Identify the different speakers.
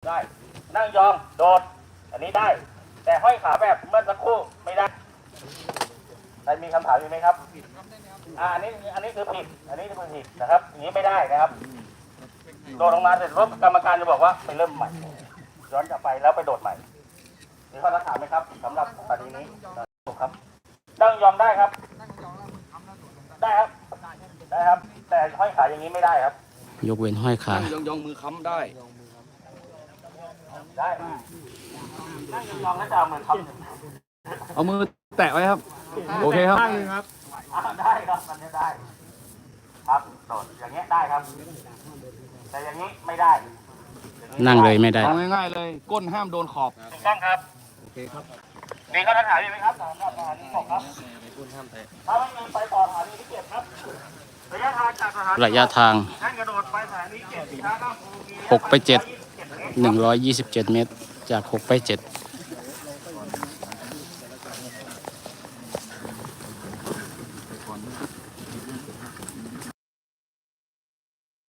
Speaker 1: ได้นั่งยองโดดอันนี้ได้ แต่ห้อยขาแบบเมื่อสักครู่ไม่ได้ใครมีคำถามอยู่ไหมครับอันนี้คือผิดอันนี้คือผิดนะครับอย่างนี้ไม่ได้นะครับโดดลงมาเสร็จปุ๊บกรรมการจะบอกว่าไปเริ่มใหม่ย้อนกลับไปแล้วไปโดดใหม่มีข้อถามไหมครับสำหรับปฏินี้ถูกครับนั่งยองได้ครับได้ครับได้ครับ แต่ห้อยขาอย่างนี้ไม่ได้ครับ
Speaker 2: ยกเว้นห้อยขา
Speaker 3: ยองมือค้ำได้
Speaker 1: ได้นั่งยองๆแล้วจะเอามือค้ำ
Speaker 3: เอามือแตะไว้ครับ โอเคครับ
Speaker 1: ได้ครับมันจะได้ครับโดดอย่างเงี้ยได้ครับ แต่อย่างนี้ไม่ได้
Speaker 2: นั่งเลยไม่ได้
Speaker 3: เอาง่ายๆเลย ก้นห้ามโดนขอบ
Speaker 1: ถูกต้องครับโอเคครับมีข้อถามอยู่ไหมครับสำหรับสถานี6ครับถ้าไม่มีไปต่อสถานีที่7ครับระยะทางจากสถานี
Speaker 2: ระยะทาง
Speaker 1: ท่านกระโดดไปสถานี7ช้าข้ามภูมิ
Speaker 2: 6 ไป 7 127 เมตร จาก 6 ไป 7